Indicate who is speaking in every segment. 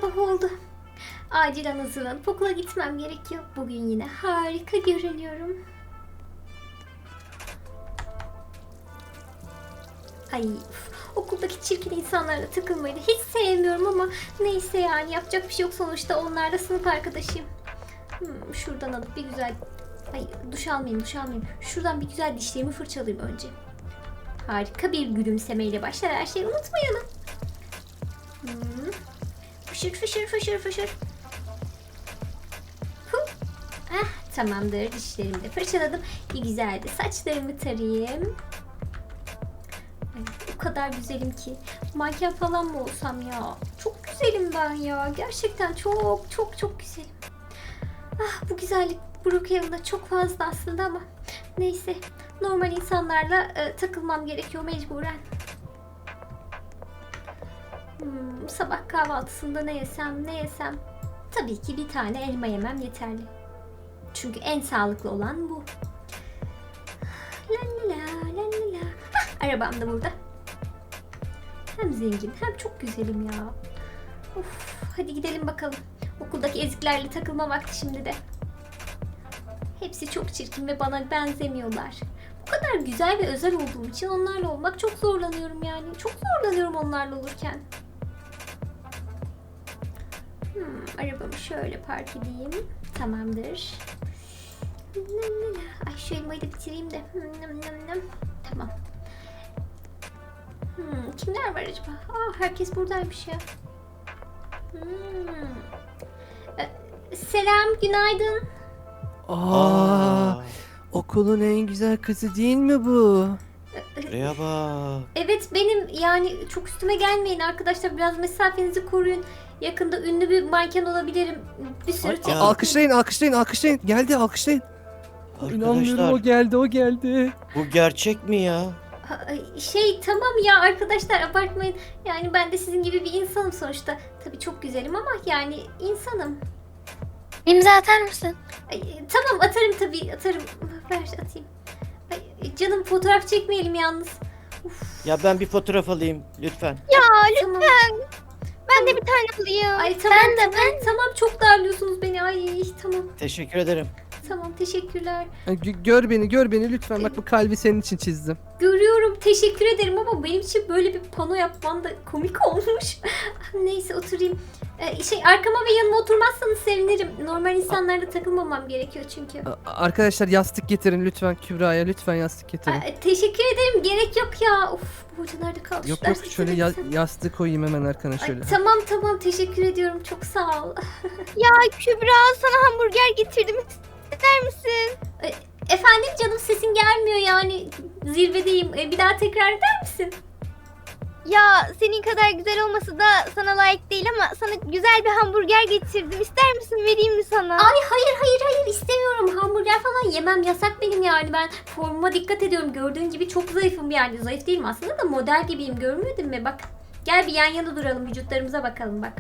Speaker 1: sabah oldu. Acilen hazırlanıp okula gitmem gerekiyor. Bugün yine harika görünüyorum. Ay okuldaki çirkin insanlarla takılmayı da hiç sevmiyorum ama neyse yani yapacak bir şey yok, sonuçta onlarla sınıf arkadaşıyım. Şuradan alıp bir güzel... Ay duş almayayım. Şuradan bir güzel dişlerimi fırçalayayım önce. Harika bir gülümsemeyle başlar her şeyi, unutmayalım. Fışır. Tamamdır, dişlerimi de fırçaladım. Bir güzel de saçlarımı tarayayım. Ay, o kadar güzelim ki. Manken falan mı olsam ya? Çok güzelim ben ya. Gerçekten çok güzelim. Bu güzellik Brookhaven'da çok fazla aslında ama neyse. Normal insanlarla takılmam gerekiyor mecburen. Sabah kahvaltısında ne yesem? Tabii ki bir tane elma yemem yeterli. Çünkü en sağlıklı olan bu. La. Arabam da burada. Hem zengin hem çok güzelim ya. Of, hadi gidelim bakalım. Okuldaki eziklerle takılma vakti şimdi de. Hepsi çok çirkin ve bana benzemiyorlar. Bu kadar güzel ve özel olduğum için onlarla olmak çok zorlanıyorum yani. Çok zorlanıyorum onlarla olurken. Arabamı şöyle park edeyim. Tamamdır. Ay şu elmayı da bitireyim de. Tamam. Kimler var acaba? Herkes buradaymış ya. Selam, günaydın.
Speaker 2: Okulun en güzel kızı değil mi bu?
Speaker 3: Buraya bak.
Speaker 1: Evet benim, yani çok üstüme gelmeyin arkadaşlar, biraz mesafenizi koruyun. Yakında ünlü bir manken olabilirim. Bir sürü
Speaker 2: Alkışlayın. Geldi, alkışlayın. İnanmıyorum,
Speaker 3: Arkadaşlar
Speaker 2: o geldi.
Speaker 3: bu gerçek mi ya?
Speaker 1: Tamam ya arkadaşlar, abartmayın. Yani ben de sizin gibi bir insanım sonuçta. Tabii çok güzelim ama yani insanım.
Speaker 4: İmza atar mısın?
Speaker 1: Tamam atarım. Ver atayım. Canım fotoğraf çekmeyelim yalnız.
Speaker 3: Ya ben bir fotoğraf alayım lütfen.
Speaker 1: Tamam.
Speaker 4: Ben de bir tane alayım.
Speaker 1: Ay tamam, tamam çok darlıyorsunuz beni. Ay tamam.
Speaker 3: Teşekkür ederim.
Speaker 1: Tamam teşekkürler.
Speaker 2: Gör beni lütfen. Bak bu kalbi senin için çizdim.
Speaker 1: Görüyorum, teşekkür ederim ama benim için böyle bir pano yapman da komik olmuş. Neyse oturayım. Arkama ve yanıma oturmazsanız sevinirim. Normal insanlarla takılmamam gerekiyor çünkü.
Speaker 2: Arkadaşlar yastık getirin lütfen Kübra'ya. Lütfen yastık getirin.
Speaker 1: Teşekkür ederim, gerek yok ya. Of, bu hoca nerede kaldı?
Speaker 2: Yok
Speaker 1: Şu dersi
Speaker 2: şöyle
Speaker 1: bitirsem.
Speaker 2: yastığı koyayım hemen arkana şöyle.
Speaker 1: Tamam teşekkür ediyorum, çok sağ ol.
Speaker 4: Ya Kübra, sana hamburger getirdim. İster misin?
Speaker 1: Efendim canım, sesin gelmiyor yani, zirvedeyim. Bir daha tekrar eder misin?
Speaker 4: Ya senin kadar güzel olması da sana layık değil ama sana güzel bir hamburger getirdim. İster misin, vereyim mi sana?
Speaker 1: Ay hayır istemiyorum, hamburger falan yemem, yasak benim yani. Ben formuma dikkat ediyorum, gördüğün gibi çok zayıfım yani. Zayıf değilim aslında da model gibiyim, görmedin mi? Bak gel bir yan yana duralım, vücutlarımıza bakalım bak.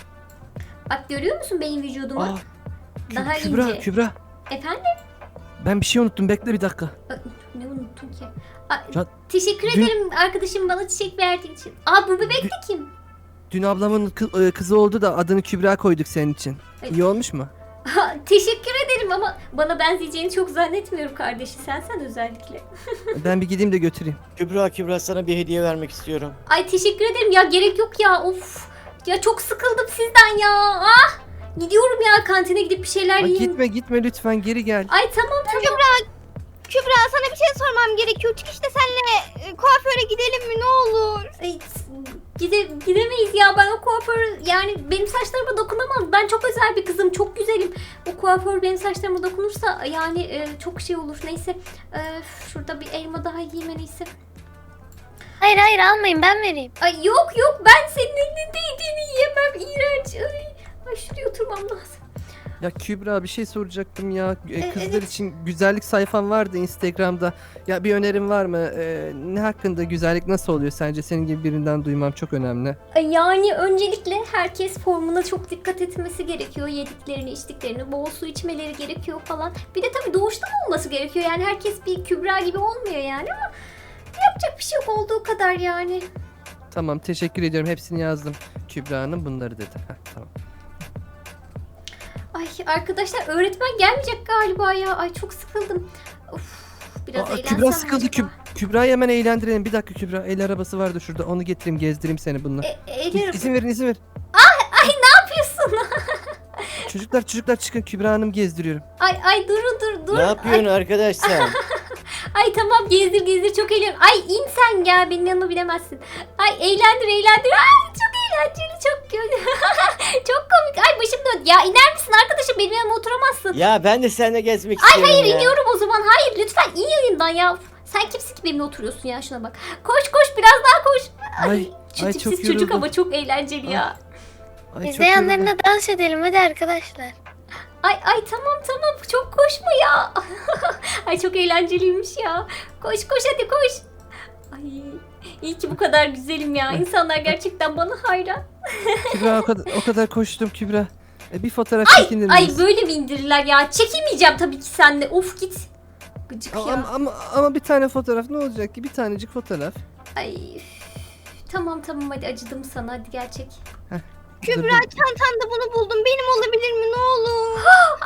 Speaker 1: Bak görüyor musun benim vücudumu? Daha ince.
Speaker 2: Kübra.
Speaker 1: Efendim?
Speaker 2: Ben bir şey unuttum, bekle bir dakika.
Speaker 1: Ne unuttun ki?
Speaker 2: Ya,
Speaker 1: Teşekkür ederim arkadaşım bana çiçek verdiğin için. Bu bebek de kim?
Speaker 2: Dün ablamın kızı oldu da adını Kübra koyduk senin için.
Speaker 1: Ay.
Speaker 2: İyi olmuş mu?
Speaker 1: Teşekkür ederim ama bana benzeyeceğini çok zannetmiyorum kardeşi. Sen özellikle.
Speaker 2: Ben bir gideyim de götüreyim.
Speaker 3: Kübra sana bir hediye vermek istiyorum.
Speaker 1: Ay teşekkür ederim ya, gerek yok ya, of. Ya çok sıkıldım sizden ya. Gidiyorum ya, kantine gidip bir şeyler yiyeyim.
Speaker 2: Gitme lütfen, geri gel.
Speaker 1: Ay tamam.
Speaker 4: Kübra, sana bir şey sormam gerekiyor. Çık işte, senle kuaföre gidelim mi, ne olur?
Speaker 1: Ay, gidemeyiz ya, ben o kuaför, yani benim saçlarıma dokunamam. Ben çok özel bir kızım, çok güzelim. O kuaför benim saçlarıma dokunursa yani çok şey olur. Neyse şurada bir elma daha yiyeyim en iyisi.
Speaker 4: Hayır almayın, ben vereyim.
Speaker 1: Ay yok ben senin elinde yediğini yiyemem, iğrenç. Ay şuraya oturmam lazım.
Speaker 2: Ya Kübra, bir şey soracaktım ya. Kızlar
Speaker 1: evet.
Speaker 2: için güzellik sayfan vardı Instagram'da. Ya bir önerin var mı? Ne hakkında, güzellik nasıl oluyor sence? Senin gibi birinden duymam çok önemli.
Speaker 1: Yani öncelikle herkes formuna çok dikkat etmesi gerekiyor. Yediklerini, içtiklerini, bol su içmeleri gerekiyor falan. Bir de tabii doğuştan olması gerekiyor. Yani herkes bir Kübra gibi olmuyor yani ama yapacak bir şey yok, olduğu kadar yani.
Speaker 2: Tamam, teşekkür ediyorum. Hepsini yazdım. Kübra Hanım bunları dedi. Heh, tamam.
Speaker 1: Ay arkadaşlar öğretmen gelmeyecek galiba ya. Ay çok sıkıldım. Of, biraz eğlensem
Speaker 2: Kübra sıkıldı.
Speaker 1: acaba?
Speaker 2: Kübra'yı hemen eğlendirelim. Bir dakika Kübra. El arabası vardı şurada. Onu getireyim gezdireyim seni bununla.
Speaker 1: Eğlenirim.
Speaker 2: İzin verin izin verin.
Speaker 1: Ay ne yapıyorsun?
Speaker 2: Çocuklar çıkın. Kübra Hanım gezdiriyorum.
Speaker 1: Ay dur.
Speaker 3: Ne yapıyorsun arkadaş sen?
Speaker 1: Ay tamam gezdir çok eğleniyorum. Ay in sen ya benim yanıma bilemezsin. Ay eğlendir. Ay çok eğlenceli çok çok komik. Ay başım döndü. Ya iner misin arkadaşım benim yanıma oturamazsın.
Speaker 3: Ya ben de seninle gezmek
Speaker 1: Ay
Speaker 3: istiyorum
Speaker 1: hayır
Speaker 3: ya.
Speaker 1: iniyorum o zaman. Hayır lütfen in yayından ya. Sen kimsin ki benimle oturuyorsun ya şuna bak. Koş biraz daha koş.
Speaker 2: Ay
Speaker 1: Çocuk
Speaker 2: çok
Speaker 1: siz çocuk
Speaker 2: yoruldum.
Speaker 1: ama çok eğlenceli ya.
Speaker 2: Ay,
Speaker 4: Biz
Speaker 2: çok
Speaker 4: de
Speaker 2: yoruldum.
Speaker 4: yanlarına dans edelim hadi arkadaşlar.
Speaker 1: Ay tamam çok koşma ya. Ay çok eğlenceliymiş ya. Koş hadi koş. Ay iyi ki bu kadar güzelim ya. İnsanlar gerçekten bana hayran.
Speaker 2: Kübra o kadar koştum Kübra. Bir fotoğraf çekinir
Speaker 1: Ay
Speaker 2: miyiz?
Speaker 1: böyle mi indirirler ya? Çekemeyeceğim tabii ki seninle. Of git. Gıcık ya.
Speaker 2: Ama bir tane fotoğraf ne olacak ki? Bir tanecik fotoğraf.
Speaker 1: Ay üf. Tamam hadi acıdım sana hadi gerçek.
Speaker 2: Dur, dur.
Speaker 4: Çantanda bunu buldum. Benim olabilir mi ne olur?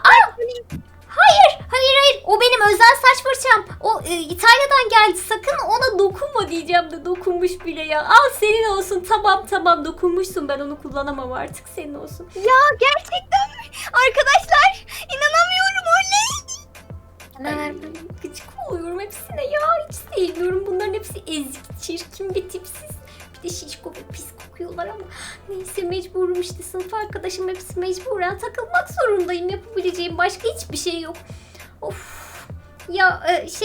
Speaker 1: Hayır o benim özel saç fırçam. O İtalya'dan geldi. Sakın ona dokunma diyeceğim de dokunmuş bile ya. Al senin olsun. Tamam dokunmuşsun. Ben onu kullanamam artık. Senin olsun.
Speaker 4: Ya gerçekten mi? Arkadaşlar inanamıyorum oley.
Speaker 1: Ay, gıcık oluyorum hepsine ya. Hiç sevmiyorum. Bunların hepsi ezik, çirkin ve tipsiz. Bir de şişko ve pis kokuyorlar ama neyse mecburum işte. Sınıf arkadaşım hepsi mecburen takılmak zorundayım. Yapabileceğim başka hiçbir şey yok. Of. Ya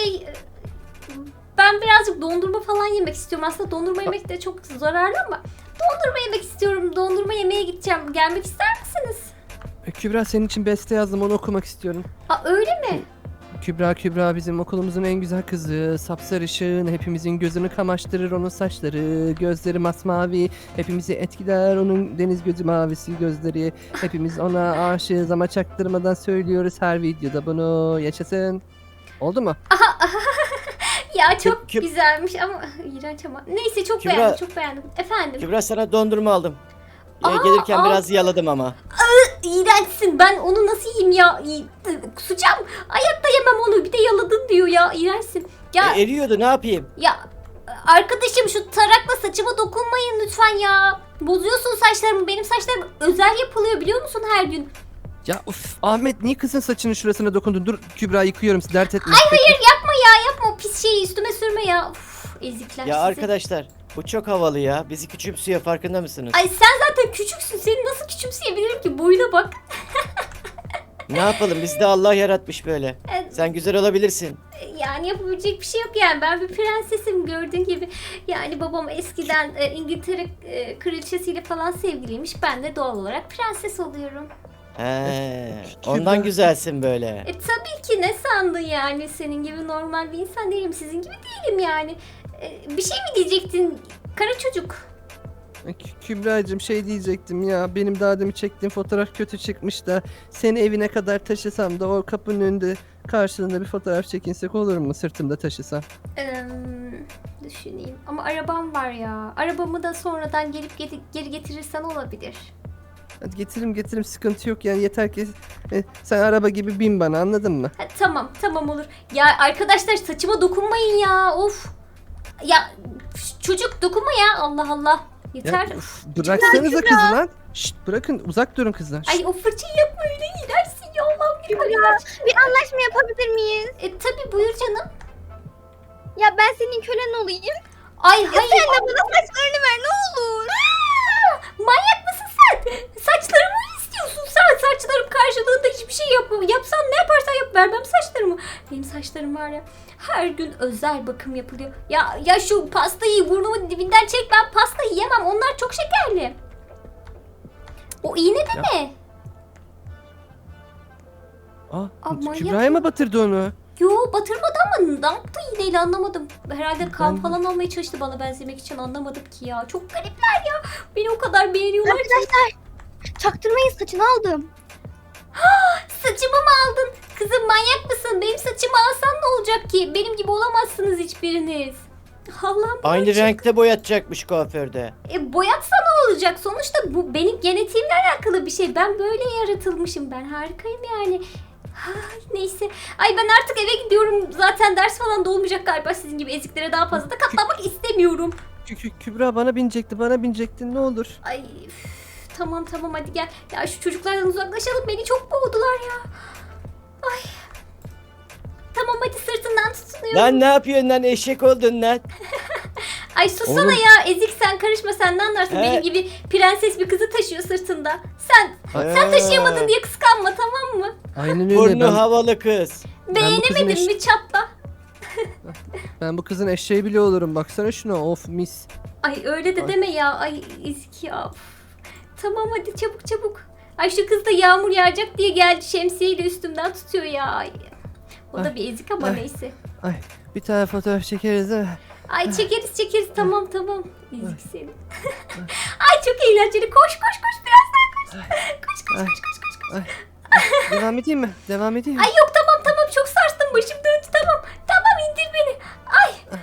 Speaker 1: ben birazcık dondurma falan yemek istiyorum. Aslında dondurma yemek de çok zararlı ama dondurma yemek istiyorum. Dondurma yemeye gideceğim. Gelmek ister misiniz?
Speaker 2: Kübra senin için beste yazdım onu okumak istiyorum.
Speaker 1: Aa öyle mi?
Speaker 2: Kübra bizim okulumuzun en güzel kızı. Sapsarışın, hepimizin gözünü kamaştırır onun saçları. Gözleri masmavi, hepimizi etkiler onun deniz gözü mavisi gözleri. Hepimiz ona aşığız ama çaktırmadan söylüyoruz her videoda bunu. Yaşasın. Oldu mu?
Speaker 1: Ya çok
Speaker 3: Küb-
Speaker 1: güzelmiş ama iğrenç ama. Neyse çok
Speaker 3: Kübra-
Speaker 1: beğendim çok beğendim. Efendim?
Speaker 3: Kübra sana dondurma aldım. Ya,
Speaker 1: Aa,
Speaker 3: gelirken
Speaker 1: al.
Speaker 3: biraz yaladım ama.
Speaker 1: İğrençsin. Ben onu nasıl yiyeyim ya? Kusacağım. Hayatta yemem onu. Bir de yaladın diyor ya. İğrençsin. Ya
Speaker 3: Eriyordu ne yapayım?
Speaker 1: arkadaşım şu tarakla saçıma dokunmayın lütfen ya. Bozuyorsun saçlarımı. Benim saçlarım özel yapılıyor biliyor musun her gün?
Speaker 2: Ya uf Ahmet niye kızın saçının şurasına dokundun? Dur Kübra yıkıyorum dert etme.
Speaker 1: Hayır yapma o pis şeyi üstüme sürme ya. Uf, ezikler
Speaker 3: Ya
Speaker 1: sizi.
Speaker 3: arkadaşlar bu çok havalı ya. Bizi küçümsüyor farkında mısınız?
Speaker 1: Ay sen zaten küçüksün. Seni nasıl küçümseyebilirim ki? Boyuna bak.
Speaker 3: Ne yapalım bizi de Allah yaratmış böyle. Sen güzel olabilirsin.
Speaker 1: Yani yapabilecek bir şey yok yani. Ben bir prensesim gördüğün gibi. Yani babam eskiden İngiltere kraliçesiyle falan sevgiliymiş. Ben de doğal olarak prenses oluyorum.
Speaker 3: He, ondan güzelsin böyle.
Speaker 1: Tabii ki ne sandın yani? Senin gibi normal bir insan değilim. Sizin gibi değilim yani. Bir şey mi diyecektin kara çocuk?
Speaker 2: Kübra'cığım şey diyecektim ya benim daha demin çektiğim fotoğraf kötü çıkmış da seni evine kadar taşısam da o kapının önünde karşılığında bir fotoğraf çekinsek olur mu sırtımda taşısam?
Speaker 1: Düşüneyim. Ama arabam var ya. Arabamı da sonradan gelip geri getirirsen olabilir.
Speaker 2: Hadi getiririm sıkıntı yok yani yeter ki sen araba gibi bin bana anladın mı?
Speaker 1: Ha, tamam olur. Ya arkadaşlar saçıma dokunmayın ya. Of. Ya çocuk dokunma ya. Allah Allah. Yeter.
Speaker 2: Ya, bıraksanıza kızı lan. Şşt bırakın uzak durun kızdan. Şşt.
Speaker 1: Ay o fırçayı yapma öyle iğrençsin ya Allah'ım.
Speaker 4: Bir anlaşma yapabilir miyiz?
Speaker 1: Tabii buyur canım.
Speaker 4: Ya ben senin kölen olayım.
Speaker 1: Ay
Speaker 4: Ya
Speaker 1: hayır.
Speaker 4: sen de bana saçlarını ver ne olur.
Speaker 1: Manyak mısın sen? Saçlarımı mı istiyorsun sen? Saçlarım karşılığında hiçbir şey yapsan ne yaparsan yap vermem saçlarımı. Benim saçlarım var ya her gün özel bakım yapılıyor. Ya şu pastayı burnumun dibinden çek ben pastayı yemem onlar çok şekerli. O iğne de
Speaker 2: Ya.
Speaker 1: ne? manyak
Speaker 2: Kübra'ya mı batırdı onu?
Speaker 1: Yo batırmadı ama ne yaptı iğneyle anlamadım. Herhalde kan
Speaker 2: Ben-
Speaker 1: falan almaya çalıştı bana benzemek için anlamadım ki ya. Çok garipler ya. Beni o kadar beğeniyorlar ki.
Speaker 4: Arkadaşlar çaktırmayın saçını aldım.
Speaker 1: Saçımı mı aldın? Kızım manyak mısın? Benim saçımı alsan ne olacak ki? Benim gibi olamazsınız hiçbiriniz. Allah'ım.
Speaker 3: Aynı renkte boyatacakmış kuaförde.
Speaker 1: Boyatsa ne olacak? Sonuçta bu benim genetiğimle alakalı bir şey. Ben böyle yaratılmışım. Ben harikayım yani. Neyse. Ay ben artık eve gidiyorum. Zaten ders falan da olmayacak galiba sizin gibi eziklere daha fazla da katlanmak istemiyorum.
Speaker 2: Kübra bana binecektin ne olur.
Speaker 1: Ay üf, tamam hadi gel. Ya şu çocuklardan uzaklaşalım. Beni çok boğdular ya. Ay. Tamam hadi sırtından tutunuyorum.
Speaker 3: Lan ne yapıyorsun lan, eşek oldun lan.
Speaker 1: Ay susana
Speaker 2: Oğlum.
Speaker 1: ya. Ezik sen karışma, sen ne anlarsın?
Speaker 3: He.
Speaker 1: Benim gibi prenses bir kızı taşıyor sırtında. Sen taşıyamadın diye kıskanma, tamam mı?
Speaker 2: Aynen öyle.
Speaker 3: Burnu havalı kız.
Speaker 2: bu kızın
Speaker 1: Beğenemedin mi çatla?
Speaker 2: Ben bu kızın eşeği bile olurum. Baksana şuna, of mis.
Speaker 1: Ay öyle de
Speaker 2: Ay.
Speaker 1: deme ya. Ay ezik ya. Üf. Tamam hadi çabuk. Ay şu kız da yağmur yağacak diye geldi, şemsiyeyle üstümden tutuyor ya. Ay. O da
Speaker 2: Ay.
Speaker 1: bir ezik ama
Speaker 2: Ay.
Speaker 1: neyse.
Speaker 2: Ay bir tane fotoğraf çekeriz değil mi?
Speaker 1: Ay çekeriz tamam. Ezik seni. Ay çok eğlenceli. Koş birazdan koş. Koş.
Speaker 2: Ay. Devam edeyim mi?
Speaker 1: Ay yok tamam çok sarstım, başım döndü, tamam indir beni. Ay.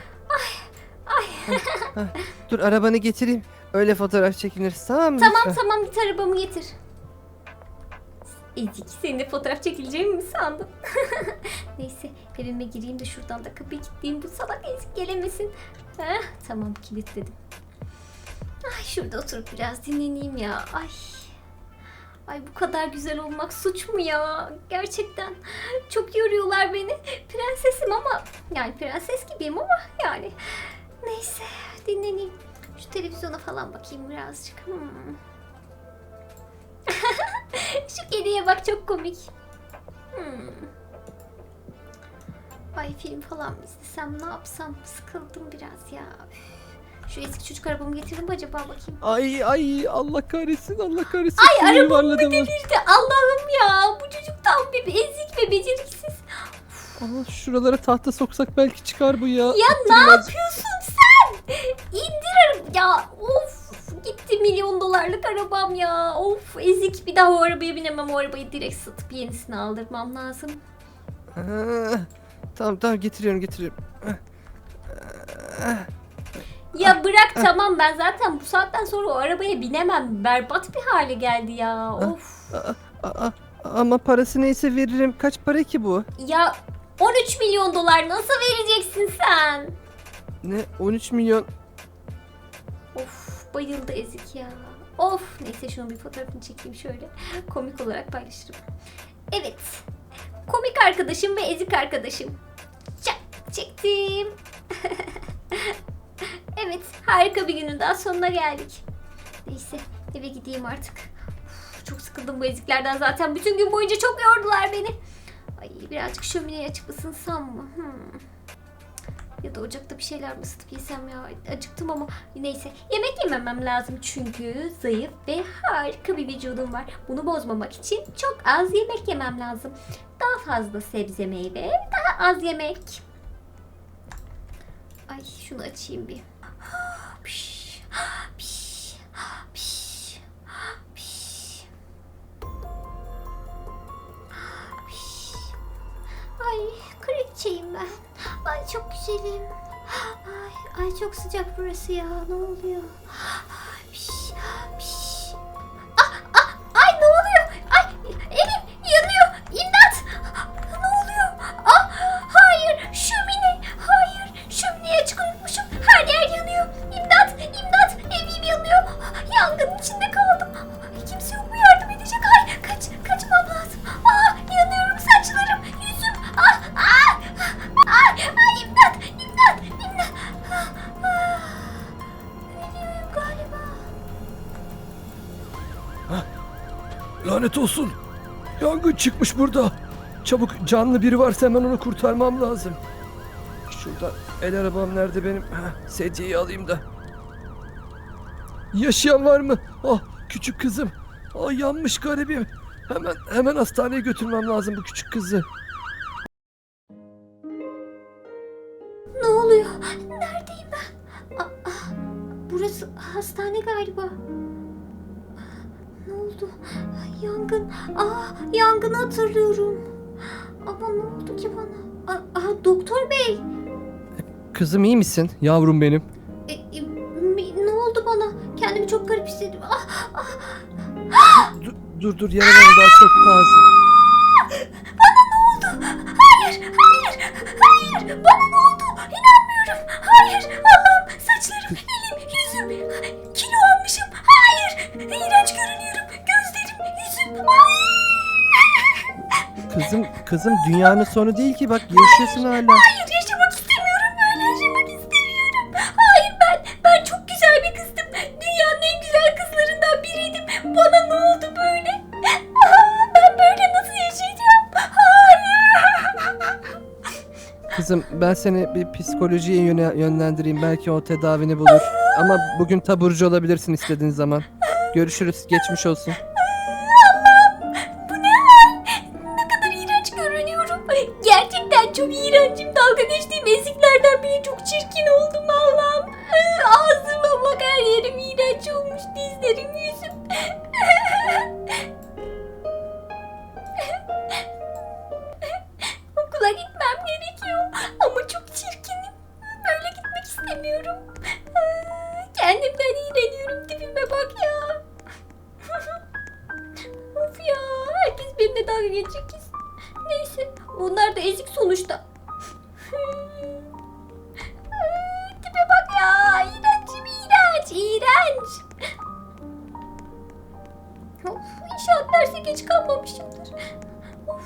Speaker 2: Dur arabanı getireyim. Öyle fotoğraf çekiniriz, tamam mı? Lütfen.
Speaker 1: Tamam git arabamı getir. Ezik, seninle fotoğraf çekileceğimi mi sandın? Neyse evime gireyim de şuradan da kapıyı kilitleyeyim, bu salak ezik gelemesin. Tamam kilitledim. Ay şurada oturup biraz dinleneyim ya. Ay bu kadar güzel olmak suç mu ya? Gerçekten çok yoruyorlar beni. Prensesim ama yani prenses gibiyim ama yani. Neyse dinleneyim. Şu televizyona falan bakayım birazcık. Şu kediye bak, çok komik. Ay film falan mı izlesem, ne yapsam? Sıkıldım biraz ya. Üf. Şu eski çocuk arabamı getirdim mi acaba, bakayım.
Speaker 2: Ay Allah kahretsin.
Speaker 1: Ay arabamı
Speaker 2: yuvarladım.
Speaker 1: devirdi. Allah'ım ya. Bu çocuk tam bir ezik ve beceriksiz.
Speaker 2: Aa, şuralara tahta soksak belki çıkar bu ya.
Speaker 1: Ya ne yapıyorsun sen? İndir ya. Of. Gitti $1.000.000 arabam ya. Of ezik. Bir daha o arabaya binemem. O arabayı direkt satıp yenisini aldırmam lazım.
Speaker 2: Tamam getiriyorum.
Speaker 1: Ya bırak tamam, ben zaten bu saatten sonra o arabaya binemem. Berbat bir hale geldi ya. Of.
Speaker 2: Ama parası neyse veririm. Kaç para ki bu?
Speaker 1: Ya $13 milyon nasıl vereceksin sen?
Speaker 2: Ne? 13 milyon.
Speaker 1: Of bayıldı ezik ya. Of neyse şunun bir fotoğrafını çekeyim şöyle. Komik olarak paylaşırım. Evet. Komik arkadaşım ve ezik arkadaşım. Çektim. Evet harika bir günün daha sonuna geldik. Neyse eve gideyim artık. Uf, çok sıkıldım bu eziklerden, zaten bütün gün boyunca çok yordular beni. Ay birazcık şömineyi açıp ısınsam mı? Ya da ocakta bir şeyler mi ısıtıp yesem ya? Acıktım ama neyse. Yemek yememem lazım çünkü zayıf ve harika bir vücudum var. Bunu bozmamak için çok az yemek yemem lazım. Daha fazla sebze meyve, daha az yemek. Ay şunu açayım bir. Piş, piş, piş, piş. Piş. Ay kraliçeyim ben. Ay çok güzelim. Ay çok sıcak burası ya. Ne oluyor? Ay, piş, piş. Ay ne oluyor? Ay evim yanıyor. İmdat. Ne oluyor? Hayır şömine. Hayır şömineyi açık unutmuşum. Her yer yanıyor. İmdat. Evim yanıyor. Yangının içinde kaldım. Kimse yok mu yardım edecek? Ay kaçmam lazım. Yanıyorum, saçlarım, yüzüm. İmdat. Ölüyorum galiba.
Speaker 2: Lanet olsun. Yangın çıkmış burada. Çabuk, canlı biri varsa hemen onu kurtarmam lazım. Şurada el arabam nerede benim? Sedyeyi alayım da. Yaşayan var mı? Küçük kızım. Yanmış garibim. Hemen hastaneye götürmem lazım bu küçük kızı.
Speaker 1: Ne oluyor? Neredeyim ben? Burası hastane galiba. Ne oldu? Yangın. Yangını hatırlıyorum. Ama ne oldu ki bana? Doktor bey.
Speaker 2: Kızım iyi misin? Yavrum benim.
Speaker 1: Ne oldu bana? Kendimi çok garip hissettim.
Speaker 2: Dur yaralarım daha çok taze.
Speaker 1: Hayır, bana ne oldu? İnanmıyorum. Hayır, Allah'ım, saçlarım, elim, yüzüm, kilo almışım. Hayır, iğrenç görünüyorum. Gözlerim, yüzüm.
Speaker 2: Kızım dünyanın sonu değil ki, bak yaşıyorsun hala.
Speaker 1: Hayır, yaşamak istemiyorum. Böyle yaşamak istemiyorum. Hayır, ben çok güzel bir kızdım. Dünyanın en güzel kızlarından biriydim. Bana ne oldu böyle? Ben böyle nasıl yaşayacağım? Hayır.
Speaker 2: Kızım ben seni bir psikolojiye yönlendireyim, belki o tedavini bulur. Ama bugün taburcu olabilirsin istediğin zaman. Görüşürüz, geçmiş olsun.
Speaker 1: Bu ne hal? Ne kadar iğrenç görünüyorum. Gerçekten çok iğrencim. Dalga geçtiğim eziklerden bile çok çirkin oldum Allah'ım. Ağzıma bak, her yerim iğrenç olmuş. Dizlerim, yüzüm. Okula gitmem gerekiyor. Ama çok çirkinim. Böyle gitmek istemiyorum. Kendimden iğreniyorum. Tipime bak ya. Of ya, herkes benimle dalga geçecek kesin. Neyse, onlar da ezik sonuçta. Tipe bak ya, iğrencim, iğrenç. Of, inşaat derse geç kalmamışımdır. Of.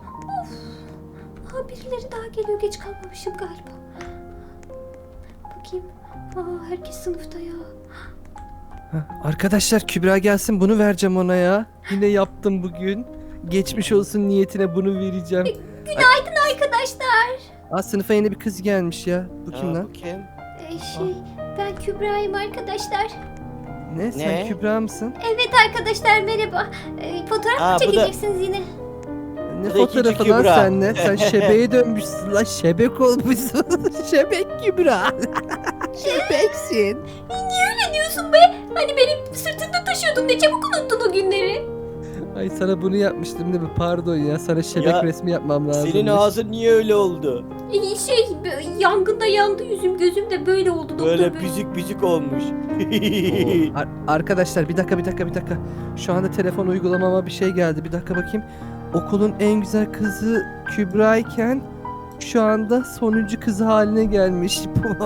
Speaker 1: Birileri daha geliyor, geç kalmamışım galiba. Bakayım. Herkes sınıfta ya.
Speaker 2: Arkadaşlar Kübra gelsin, bunu vereceğim ona ya. Yine yaptım bugün. Geçmiş olsun niyetine bunu vereceğim.
Speaker 1: Günaydın arkadaşlar.
Speaker 2: Sınıfa yeni bir kız gelmiş ya. Bu kim lan?
Speaker 3: Bu kim?
Speaker 1: Ben Kübra'yım arkadaşlar.
Speaker 2: Ne? Sen
Speaker 3: Ne?
Speaker 2: Kübra mısın?
Speaker 1: Evet arkadaşlar, merhaba. Fotoğraf mı
Speaker 3: Bu da-
Speaker 1: çekeceksiniz yine?
Speaker 2: Ne
Speaker 3: Bu da ikinci
Speaker 2: fotoğrafı lan
Speaker 3: Kübra.
Speaker 2: sen ne? Sen şebeğe dönmüşsün lan, şebek olmuşsun. Şebek Kübra. Şebeksin.
Speaker 1: Niye öyle diyorsun be? Hani beni sırtında taşıyordun, ne çabuk unuttun o günleri.
Speaker 2: Ay sana bunu yapmıştım değil mi? Pardon ya, sana şebek
Speaker 3: Ya,
Speaker 2: resmi yapmam lazım.
Speaker 3: Senin ağzın niye öyle oldu?
Speaker 1: Yangında yandı yüzüm, gözüm de böyle oldu doktor
Speaker 3: Böyle
Speaker 1: bey.
Speaker 3: büzük olmuş.
Speaker 2: Arkadaşlar bir dakika. Şu anda telefon uygulamama bir şey geldi. Bir dakika bakayım. Okulun en güzel kızı Kübra iken şu anda sonuncu kızı haline gelmiş.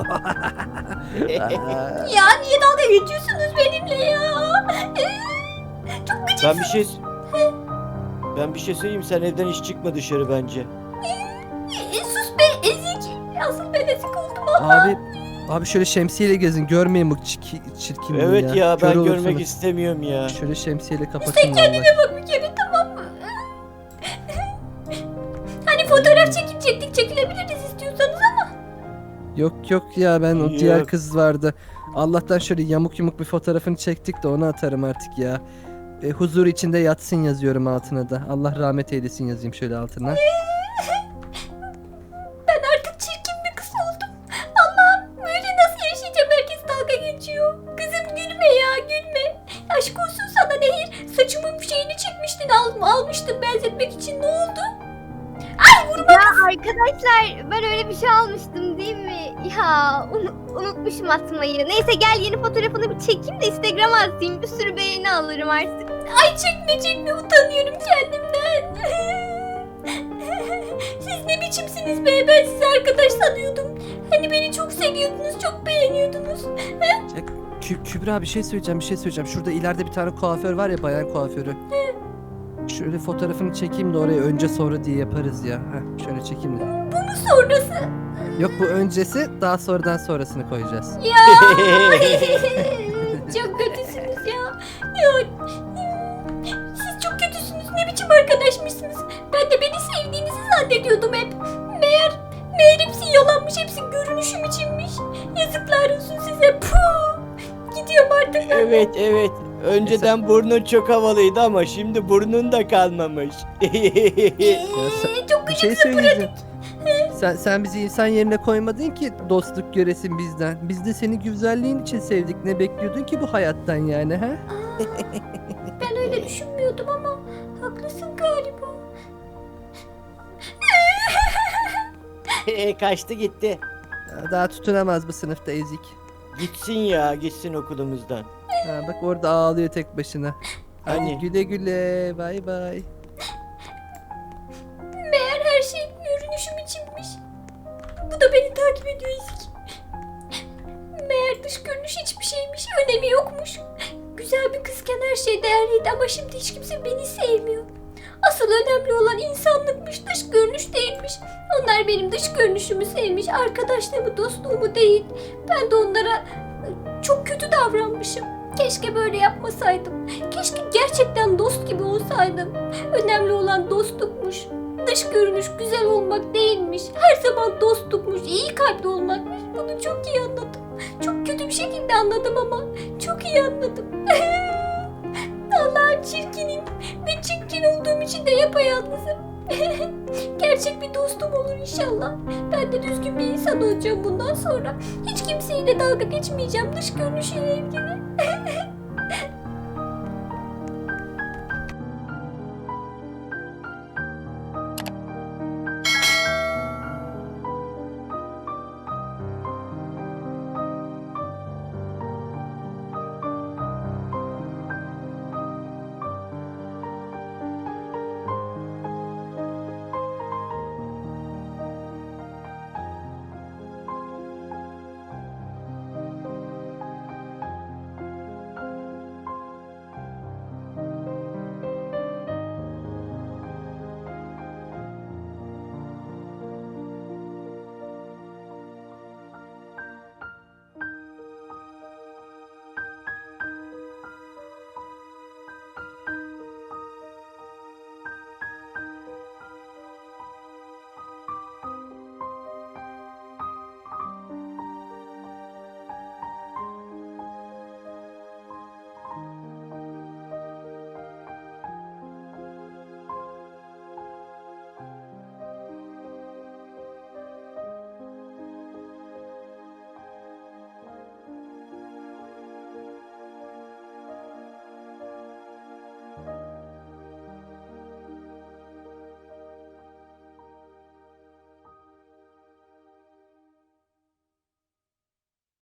Speaker 1: Ya niye dalga geçiyorsunuz benimle ya? Çok gıcık.
Speaker 3: Ben bir şey söyleyeyim, sen evden hiç çıkma dışarı bence.
Speaker 1: Sus be ezik. Asıl ben ezik oldum ama.
Speaker 2: Abi şöyle şemsiyeyle gezin, görmeyin bu çirkinliği
Speaker 3: Evet ya,
Speaker 2: Kör
Speaker 3: ben
Speaker 2: olursunuz.
Speaker 3: görmek istemiyorum ya.
Speaker 2: Şöyle şemsiyeyle kapatın
Speaker 1: Sen kendine
Speaker 2: vallahi.
Speaker 1: bak bir kere, tamam mı? Hani fotoğraf çekilecektik, çekilebiliriz istiyorsanız ama.
Speaker 2: Yok ya, ben o diğer
Speaker 3: Yok.
Speaker 2: kız vardı. Allah'tan şöyle yamuk bir fotoğrafını çektik de onu atarım artık ya. Huzur içinde yatsın yazıyorum altına da. Allah rahmet eylesin yazayım şöyle altına.
Speaker 1: Ben artık çirkin bir kız oldum. Allah'ım, böyle nasıl yaşayacağım, herkes dalga geçiyor. Kızım gülme ya, gülme. Aşk olsun sana Nehir. Saçımın şeyini çekmiştin, almıştım benzetmek için, ne oldu? Ay vurma.
Speaker 4: Ya arkadaşlar, ben öyle bir şey almıştım değil mi? Ya unutmuşum atmayı. Neyse gel, yeni fotoğrafını bir çekeyim de Instagram'a atayım. Bir sürü beğeni alırım artık.
Speaker 1: Ay çekme, utanıyorum kendimden. Siz ne biçimsiniz be, ben sizi arkadaş sanıyordum. Hani beni çok seviyordunuz, çok beğeniyordunuz.
Speaker 2: Kübra bir şey söyleyeceğim. Şurada ileride bir tane kuaför var ya, bayan kuaförü. Şöyle fotoğrafını çekeyim de oraya önce sonra diye yaparız ya. Şöyle çekeyim de.
Speaker 1: Bu mu sonrası?
Speaker 2: Yok, bu öncesi, daha sonradan sonrasını koyacağız.
Speaker 1: Ya. Çok kötüsünüz ya. Siz çok kötüsünüz. Ne biçim arkadaşmışsınız? Ben de beni sevdiğinizi zannediyordum hep. Meğer hepsi yalanmış. Hepsi görünüşüm içinmiş. Yazıklar olsun size. Puh. Gidiyorum artık.
Speaker 3: Evet. Önceden burnun çok havalıydı ama şimdi burnun da kalmamış.
Speaker 1: Çok
Speaker 2: Bir şey söyleyeceğim. Sen bizi insan yerine koymadın ki dostluk göresin bizden. Biz de seni güzelliğin için sevdik. Ne bekliyordun ki bu hayattan yani ha?
Speaker 1: Ben öyle düşünmüyordum ama haklısın galiba.
Speaker 3: Kaçtı gitti.
Speaker 2: Daha tutunamaz bu sınıfta ezik.
Speaker 3: Gitsin ya, gitsin okulumuzdan.
Speaker 2: Ha, bak orada ağlıyor tek başına. Hadi
Speaker 3: Hani?
Speaker 2: güle güle. Bay bay.
Speaker 1: Meğer her şey görünüşüm içinmiş. Bu da beni takip ediyor ezik. Meğer dış görünüş hiçbir şeymiş, önemi yokmuş. Güzel bir kızken her şey değerliydi ama şimdi hiç kimse beni sevmiyor. Asıl önemli olan insanlıkmış, dış görünüş değilmiş. Onlar benim dış görünüşümü sevmiş, arkadaşlığımı, dostluğumu değil. Ben de onlara çok kötü davranmışım. Keşke böyle yapmasaydım. Keşke gerçekten dost gibi olsaydım. Önemli olan dostlukmuş. Dış görünüş güzel olmak değilmiş. Her zaman dostlukmuş, iyi kalpli olmakmış. Bunu çok iyi anladım. Çok kötü bir şekilde anladım ama çok iyi anladım. Allah'ım çirkinim ve çirkin olduğum için de yapayalnızım. Gerçek bir dostum olur inşallah. Ben de düzgün bir insan olacağım bundan sonra. Hiç kimseyle dalga geçmeyeceğim dış görünüşüyle ilgili.